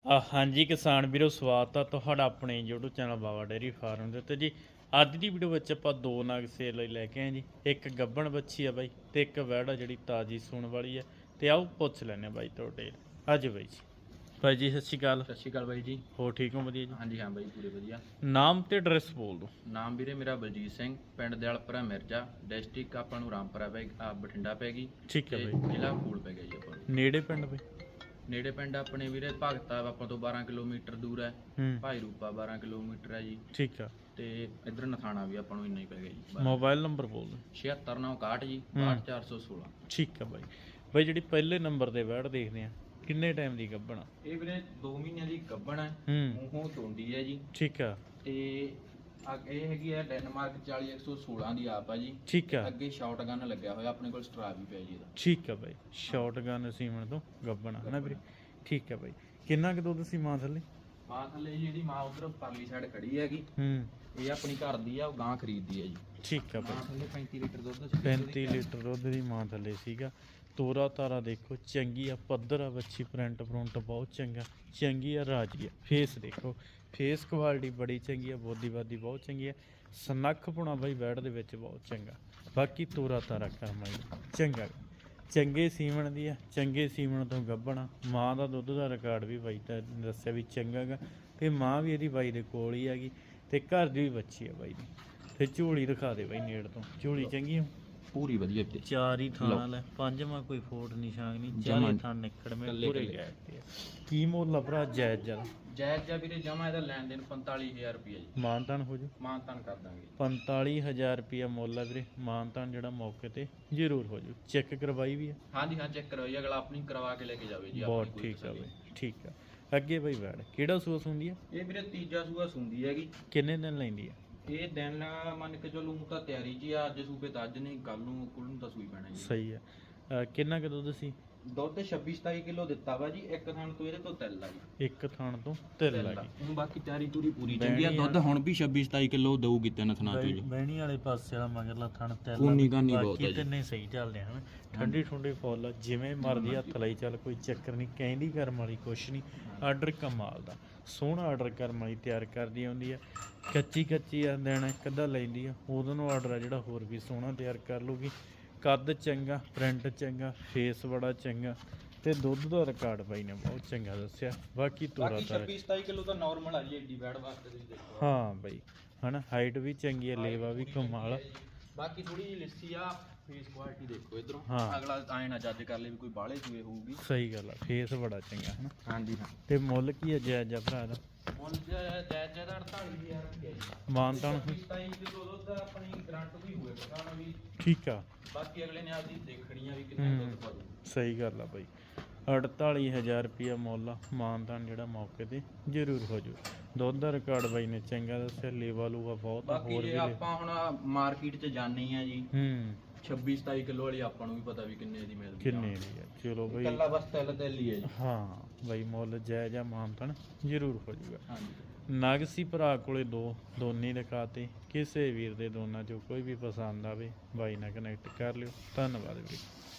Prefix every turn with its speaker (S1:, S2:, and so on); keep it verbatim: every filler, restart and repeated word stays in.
S1: ਅ, ਹਾਂਜੀ ਕਿਸਾਨ ਵੀਰੋ, ਸਵਾਗਤ ਆ ਤੁਹਾਡਾ ਆਪਣੇ YouTube channel Baba dairy farm ਦੇ ਉੱਤੇ ਜੀ। ਅੱਜ ਦੀ ਵੀਡੀਓ ਵਿੱਚ ਆਪਾਂ ਦੋ ਨਗ ਸੇਲ ਲਈ ਲੈ ਕੇ ਆਏ ਜੀ। ਇੱਕ ਗੱਭਣ ਬੱਚੀ ਆ ਬਾਈ ਤੇ ਇੱਕ ਵਹਿੜਾ ਜਿਹੜੀ ਤਾਜੀ ਸੂਣ ਵਾਲੀ ਆ। ਤੇ ਆਓ ਪੁੱਛ ਲੈਂਦੇ ਆ ਬਾਈ ਤੁਹਾਡੇ ਅੱਜ ਬਾਈ ਜੀ। ਬਾਈ ਜੀ ਸਤਿ ਸ਼੍ਰੀ ਅਕਾਲ।
S2: ਸਤਿ ਸ਼੍ਰੀ ਅਕਾਲ ਬਾਈ ਜੀ।
S1: ਹੋਰ ਠੀਕ ਹੋ? ਵਧੀਆ ਜੀ।
S2: ਹਾਂਜੀ ਹਾਂ ਬਾਈ, ਪੂਰੇ ਵਧੀਆ।
S1: ਨਾਮ ਤੇ ਐਡਰੈਸ ਬੋਲ ਦਿਓ।
S2: ਨਾਮ ਵੀਰੇ ਮੇਰਾ ਬਲਜੀਤ ਸਿੰਘ, ਪਿੰਡ ਦਿਆਲਪੁਰਾ ਮਿਰਜ਼ਾ, ਡਿਸਟ੍ਰਿਕਟ ਆਪਾਂ ਨੂੰ ਰਾਮਪੁਰਾ ਪੈ ਆ ਬਠਿੰਡਾ ਪੈ ਗਈ
S1: ਠੀਕ ਹੈ
S2: ਤੇ
S1: ਬਾਈ।
S2: ਜ਼ਿਲ੍ਹਾ ਫੂਲ ਪੈ ਗਿਆ ਜੀ ਆਪਾਂ ਨੂੰ।
S1: ਨੇੜੇ ਪਿੰਡ ਬਾਈ?
S2: ਨੇੜੇ ਪਿੰਡ ਆਪਣੇ ਵੀਰੇ ਭਗਤਾ ਆਪਾਂ ਤੋਂ ਬਾਰਾਂ ਕਿਲੋਮੀਟਰ ਦੂਰ ਹੈ।
S1: ਹੂੰ
S2: ਭਾਈ ਰੂਪਾ ਬਾਰਾਂ ਕਿਲੋਮੀਟਰ ਹੈ ਜੀ।
S1: ਠੀਕ ਆ।
S2: ਤੇ ਇਧਰ ਨਥਾਣਾ ਵੀ ਆਪਾਂ ਨੂੰ ਇੰਨਾ ਹੀ ਪੈ ਗਿਆ ਜੀ।
S1: ਮੋਬਾਈਲ ਨੰਬਰ ਬੋਲ ਦਿਓ।
S2: ਛਿਹੱਤਰ ਨੌ ਇਕਾਹਠ ਜੀ, ਬਾਹਠ ਚਾਰ ਸੌ ਸੋਲਾਂ।
S1: ਠੀਕ ਆ ਬਾਈ। ਬਾਈ ਜਿਹੜੀ ਪਹਿਲੇ ਨੰਬਰ ਤੇ ਵਹਿੜ ਦੇਖਦੇ ਆ, ਕਿੰਨੇ ਟਾਈਮ ਦੀ ਗੱਭਣ ਆ?
S2: ਇਹ ਵੀਰੇ ਦੋ ਮਹੀਨਿਆਂ ਦੀ ਗੱਭਣ ਹੈ।
S1: ਹੂੰ
S2: ਮੂੰਹੋਂ ਤੋਂਦੀ ਹੈ ਜੀ।
S1: ਠੀਕ ਆ।
S2: ਤੇ ਆ- ਇਹ ਹੈਗੀ ਹੈ ਡੈਨਮਾਰਕ ਚਾਲੀ ਇੱਕ ਸੌ ਸੋਲਾਂ ਦੀ ਆਪ ਆ ਜੀ।
S1: ਠੀਕ ਆ।
S2: ਅੱਗੇ ਸ਼ਾਟ ਗਨ ਲੱਗਿਆ ਹੋਇਆ, ਆਪਣੇ ਕੋਲ ਸਟਰਾ ਵੀ ਪਿਆ ਜੀ ਇਹਦਾ।
S1: ਠੀਕ ਆ ਬਾਈ। ਸ਼ਾਟਗਨ ਸੀਮਨ ਤੋਂ ਗੱਭਣ ਆ ਨਾ ਵੀਰੇ? ਠੀਕ ਆ ਬਾਈ। ਕਿੰਨਾ ਕੁ ਦੁੱਧ ਸੀ ਮਾਂ ਥੱਲੇ?
S2: ਮਾਂ ਥੱਲੇ ਜਿਹੜੀ ਮਾਂ ਉਧਰ ਪਰਲੀ ਸਾਈਡ ਖੜੀ ਹੈਗੀ,
S1: ਹੂੰ
S2: ਇਹ ਆਪਣੀ ਘਰ ਦੀ ਆ, ਉਹ ਗਾਂ ਖਰੀਦਦੀ ਹੈ ਜੀ।
S1: ਠੀਕ ਆ
S2: ਮਾਂ
S1: ਬਾਈ।
S2: ਥੱਲੇ ਪੈਂਤੀ ਲੀਟਰ ਦੁੱਧ ਸੀ।
S1: ਪੈਂਤੀ ਲੀਟਰ ਦੁੱਧ ਦੀ ਮਾਂ ਥੱਲੇ ਸੀਗਾ। ਤੋਰਾ ਤਾਰਾ ਦੇਖੋ ਚੰਗੀ ਆ, ਪੱਧਰ ਆ ਬੱਚੀ, ਪ੍ਰਿੰਟ ਪ੍ਰਿੰਟ ਬਹੁਤ ਚੰਗਾ, ਚੰਗੀ ਆ, ਰਾਜੀ ਆ। ਫੇਸ ਦੇਖੋ, ਫੇਸ ਕੁਆਲਿਟੀ ਬੜੀ ਚੰਗੀ ਆ, ਬੋਦੀਵਾਦੀ ਬਹੁਤ ਚੰਗੀ ਆ, ਸਨੱਖ ਪੁਣਾ ਬਾਈ ਬੈਡ ਦੇ ਵਿੱਚ ਬਹੁਤ ਚੰਗਾ। ਬਾਕੀ ਤੋਰਾ ਤਾਰਾ ਕਰਮਾ ਚੰਗਾ, ਚੰਗੇ ਸੀਮਣ ਦੀ ਆ, ਚੰਗੇ ਸੀਮਣ ਤੋਂ ਗੱਭਣਾ। ਮਾਂ ਦਾ ਦੁੱਧ ਦਾ ਰਿਕਾਰਡ ਵੀ ਬਾਈ ਤਾਂ ਦੱਸਿਆ ਵੀ ਚੰਗਾ ਗਾ, ਤੇ ਮਾਂ ਵੀ ਇਹਦੀ ਬਾਈ ਦੇ ਕੋਲ ਹੀ ਹੈਗੀ, ਤੇ ਘਰ ਦੀ ਵੀ ਬੱਚੀ ਆ ਬਾਈ ਦੀ। ਤੇ ਝੋਲੀ ਦਿਖਾ ਦੇ ਬਾਈ ਨੇੜ ਤੋਂ, ਝੋਲੀ ਚੰਗੀ ਆ
S2: ਪੂਰੀ ਵਧੀਆ ਵੀਰੇ।
S1: ਚਾਰ ਹੀ ਥਾਣਾ ਲੈ, ਪੰਜਵਾਂ ਕੋਈ ਫੋਟ ਨਿਸ਼ਾਨ ਨਹੀਂ, ਚਾਰੇ ਥਾਂ ਨਿਕੜ ਮੇ ਪੂਰੇ ਗਏ ਤੇ। ਕੀ ਮੁੱਲ ਆ ਭਰਾ? ਜਾਇਜ਼ ਜਰਾ
S2: ਜਾਇਜ਼ ਜਾ ਵੀਰੇ, ਜਮਾ ਇਹਦਾ ਲੈਣ ਦੇਣ ਪੰਤਾਲੀ ਹਜ਼ਾਰ ਰੁਪਇਆ ਜੀ।
S1: ਮਾਨਤਾਨ ਹੋ ਜੂ?
S2: ਮਾਨਤਾਨ ਕਰ ਦਾਂਗੇ।
S1: ਪੰਤਾਲੀ ਹਜ਼ਾਰ ਰੁਪਇਆ ਮੁੱਲ ਆ ਵੀਰੇ। ਮਾਨਤਾਨ ਜਿਹੜਾ ਮੌਕੇ ਤੇ ਜ਼ਰੂਰ ਹੋ ਜੂ। ਚੈੱਕ ਕਰਵਾਈ ਵੀ ਆ?
S2: ਹਾਂਜੀ ਹਾਂ, ਚੈੱਕ ਕਰਵਾਈ, ਅਗਲਾ ਆਪਣੀ ਕਰਵਾ ਕੇ ਲੈ ਕੇ ਜਾਵੇ ਜੀ।
S1: ਬਹੁਤ
S2: ਆਪਣੀ
S1: ਠੀਕ ਆ ਬਾਈ, ਠੀਕ ਆ। ਅੱਗੇ ਬਾਈ ਵੈੜ ਕਿਹੜਾ ਸੂਸ ਹੁੰਦੀ ਆ?
S2: ਇਹ ਵੀਰੇ ਤੀਜਾ ਸੂਆ ਸੁੰਦੀ ਹੈਗੀ।
S1: ਕਿੰਨੇ ਦਿਨ ਲੈਂਦੀ ਆ?
S2: ਇਹ ਦਿਨ ਮੰਨ ਕੇ ਚਲੋ ਊਂ ਤਾਂ ਤਿਆਰੀ 'ਚ ਹੀ ਆ, ਅੱਜ ਸੂਬੇ ਤਾਂ ਅੱਜ ਨਹੀਂ, ਕੱਲ ਨੂੰ ਕੁਲ ਨੂੰ ਤਾਂ ਸੂਈ ਪੈਣਾ ਜੀ।
S1: ਸਹੀ ਆ। ਅ, ਕਿੰਨਾ ਕੁ ਦੁੱਧ ਸੀ?
S2: ਦੁੱਧ ਛੱਬੀ ਸਤਾਈ ਕਿਲੋ ਦਿੱਤਾ ਵਾ ਜੀ। ਇੱਕ ਥਣ ਤੋਂ ਇਹਦੇ ਤੋਂ ਤਿਲ ਆ ਜੀ।
S1: ਇੱਕ ਥਾਣ ਤੋਂ ਤਿਲ ਲੱਗੀ।
S2: ਹੁਣ ਬਾਕੀ ਤਿਆਰੀ ਤੂਰੀ ਪੂਰੀ
S1: ਬਹਿਣੀ
S2: ਚੰਗੀ ਆ।
S1: ਆ।
S2: ਦੁੱਧ ਹੁਣ ਵੀ ਛੱਬੀ ਸਤਾਈ ਕਿਲੋ ਦਊਗੀ ਤਿੰਨ ਥਣਾ ਚੋਂ ਜੀ।
S1: ਬਹਿਣੀ ਵਾਲੇ ਪਾਸੇ ਵਾਲਾ ਮਗਰਲਾ ਥਣ ਤਿਲ
S2: ਉਨੀ ਗਾਨੀ ਬਹੁਤ ਆ
S1: ਬਾਕੀ
S2: ਜੀ।
S1: ਤਿੰਨੇ ਸਹੀ ਚੱਲਦੇ ਹਨ। ਠੰਡੀ ਠੁੰਡੀ ਫੁੱਲ ਆ, ਜਿਵੇਂ ਮਰਜ਼ੀ ਹੱਥ ਲਈ ਚੱਲ, ਕੋਈ ਚੱਕਰ ਨਹੀਂ। ਕਹਿੰਦੀ ਕਰਮ ਵਾਲੀ ਕੁਛ ਨਹੀਂ। ਆਰਡਰ ਕਮਾਲ ਦਾ ਸੋਹਣਾ ਆਰਡਰ ਕਰਮ ਵਾਲੀ ਤਿਆਰ ਕਰਦੀ ਆਉਂਦੀ ਆ। ਕੱਚੀ ਕੱਚੀ ਆ, ਦੇਣਾ ਇੱਕ ਅੱਧਾ ਲੈਂਦੀ ਆ, ਉਹਦੋਂ ਨੂੰ ਆਰਡਰ ਆ ਜਿਹੜਾ ਹੋਰ ਵੀ ਸੋਹਣਾ ਤਿਆਰ ਕਰ ਲੂਗੀ। ਕੱਦ ਚੰਗਾ, ਪ੍ਰਿੰਟ ਚੰਗਾ, ਫੇਸ ਬੜਾ ਚੰਗਾ, ਤੇ ਦੁੱਧ ਦਾ ਰਿਕਾਰਡ ਬਾਈ ਨੇ ਬਹੁਤ ਚੰਗਾ ਦੱਸਿਆ। ਬਾਕੀ ਤੋਰਾ ਤਾਰਾ
S2: ਛੱਬੀ ਸਤਾਈ ਕਿਲੋ ਤਾਂ ਨਾਰਮਲ ਆ ਜੀ, ਏਡੀ ਬੈਡ ਵਾਸਤੇ ਤੁਸੀਂ ਦੇਖੋ।
S1: ਹਾਂ ਬਾਈ, ਹਨਾ ਹਾਈਟ ਵੀ ਚੰਗੀ ਆ, ਲੇਵਾ ਵੀ ਕਮਾਲ।
S2: ਬਾਕੀ ਥੋੜੀ ਜਿਹੀ ਲਿੱਸੀ ਆ, ਫੇਸ ਕੁਆਲਿਟੀ ਦੇਖੋ ਇਧਰੋਂ।
S1: ਹਾਂ।
S2: ਅਗਲਾ ਐਂ ਨਾ ਜੱਜ ਕਰ ਲੇ ਵੀ ਕੋਈ ਬਾਹਲੇ ਸੂਏ ਹੋਊਗੀ।
S1: ਸਹੀ ਗੱਲ ਆ, ਫੇਸ ਬੜਾ ਚੰਗਾ ਹਨਾ।
S2: ਹਾਂਜੀ ਹਾਂ।
S1: ਤੇ ਮੁੱਲ ਕੀ ਹੈ ਜਾਇਜ਼ ਆ ਭਰਾ ਦਾ?
S2: ਮੁੱਲ ਜਾਇਜ਼ ਜਾਇਜ਼ ਅੜਤਾਲੀ ਹਜ਼ਾਰ ਰੁਪਏ ਜੀ।
S1: ਮਾਨਤਾਨ
S2: ਛੱਬੀ ਸਤਾਈ ਕਿਲੋ ਦੁੱਧ ਆਪਣੀ ਗਰੰਟ ਵੀ ਹੋਵੇ ਪਕਾਣਾ ਵੀ।
S1: ਠੀਕ ਆ।
S2: ਬਾਕੀ ਅਗਲੇ ਨੇ ਆਪਦੀ ਦੇਖਣੀ ਆ ਵੀ ਕਿੰਨਾ ਦੁੱਧ ਪਾਉ।
S1: ਸਹੀ ਗੱਲ ਆ ਬਾਈ। ਅੜਤਾਲੀ ਹਜ਼ਾਰ ਰੁਪਇਆ ਮੁੱਲ ਆ। ਮਾਨਤਾਨ ਜਿਹੜਾ ਮੌਕੇ ਤੇ ਜ਼ਰੂਰ ਹੋ ਜੂ। ਦੁੱਧ ਦਾ ਰਿਕਾਰਡ ਬਾਈ ਨੇ ਚੰਗਾ ਦੱਸਿਆ, ਲੇਵਾ ਲੂਵਾ ਬਹੁਤ ਆ।
S2: ਬਾਕੀ
S1: ਹੋਰ
S2: ਜੇ
S1: ਵੀ
S2: ਆਪਾਂ ਹੁਣ ਮਾਰਕੀਟ 'ਚ ਜਾਣੀ ਆ ਜੀ,
S1: ਹੂੰ
S2: ਛੱਬੀ ਸਤਾਈ ਕਿਲੋ ਵਾਲੀ ਆਪਾਂ ਨੂੰ ਵੀ ਪਤਾ ਵੀ ਕਿੰਨੇ ਦੀ ਮਿਲਦੀ ਆ।
S1: ਕਿੰਨੇ ਦੀ ਆ? ਚਲੋ ਬਾਈ।
S2: ਇਕੱਲਾ ਬਸ ਤਿਲ ਤਿਲ ਹੀ ਹੈ ਜੀ।
S1: ਹਾਂ ਬਾਈ, ਮੁੱਲ ਜਾਇਜ਼ ਆ, ਮਾਨਤਾਨ ਜ਼ਰੂਰ ਹੋ ਜੂਗਾ।
S2: ਹਾਂਜੀ।
S1: ਨਗ ਸੀ ਭਰਾ ਕੋਲੇ ਦੋ, ਦੋਨੇ ਦਿਖਾਤੇ। ਕਿਸੇ ਵੀਰ ਦੇ ਦੋਨਾਂ ਚੋਂ ਕੋਈ ਵੀ ਪਸੰਦ ਆਵੇ ਬਾਈ ਨਾਲ ਕਨੈਕਟ ਕਰ ਲਿਓ। ਧੰਨਵਾਦ ਵੀਰੇ।